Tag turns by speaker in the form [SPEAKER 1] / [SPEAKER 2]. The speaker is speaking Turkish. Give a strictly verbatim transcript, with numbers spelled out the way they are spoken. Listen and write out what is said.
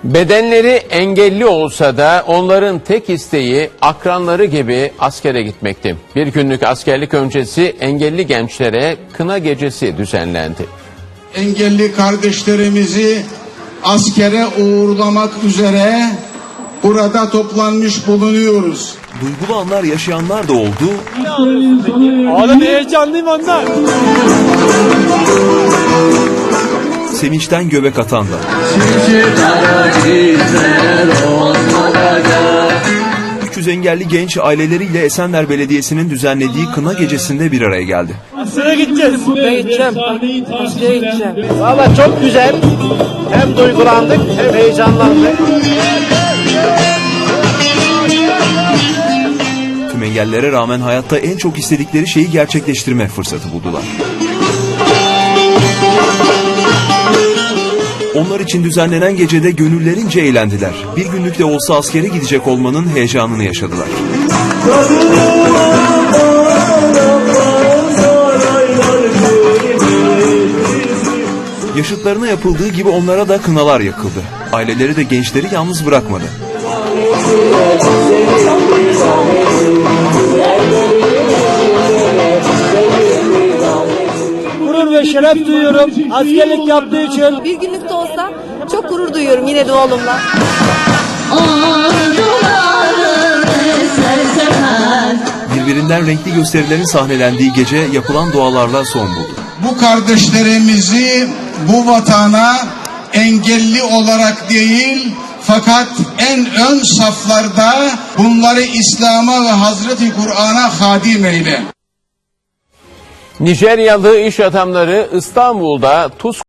[SPEAKER 1] Bedenleri engelli olsa da onların tek isteği akranları gibi askere gitmekti. Bir günlük askerlik öncesi engelli gençlere kına gecesi düzenlendi.
[SPEAKER 2] Engelli kardeşlerimizi askere uğurlamak üzere burada toplanmış bulunuyoruz.
[SPEAKER 3] Duygulu anlar yaşayanlar da oldu.
[SPEAKER 4] Oğlum heyecanlıyım ondan.
[SPEAKER 3] Sevinçten göbek atan da. üç yüz engelli genç aileleriyle Esenler Belediyesi'nin düzenlediği kına gecesinde bir araya geldi.
[SPEAKER 4] Askere gideceğiz.
[SPEAKER 5] Ben gideceğim. Askere gideceğim.
[SPEAKER 4] Valla çok güzel. Hem duygulandık hem heyecanlandık.
[SPEAKER 3] Tüm engellere rağmen hayatta en çok istedikleri şeyi gerçekleştirme fırsatı buldular. Onlar için düzenlenen gecede gönüllerince eğlendiler. Bir günlük de olsa askere gidecek olmanın heyecanını yaşadılar. Yaşıtlarına yapıldığı gibi onlara da kınalar yakıldı. Aileleri de gençleri yalnız bırakmadı.
[SPEAKER 4] Gurur ve şeref duyuyorum askerlik yaptığı için.
[SPEAKER 6] Bir günlük de olsa çok gurur duyuyorum yine de oğlumla.
[SPEAKER 3] Birbirinden renkli gösterilerin sahnelendiği gece yapılan dualarla son buldu.
[SPEAKER 2] Bu kardeşlerimizi bu vatana engelli olarak değil, fakat en ön saflarda bunları İslam'a ve Hazreti Kur'an'a hadim eyle.
[SPEAKER 1] Nijeryalı iş adamları İstanbul'da Tuz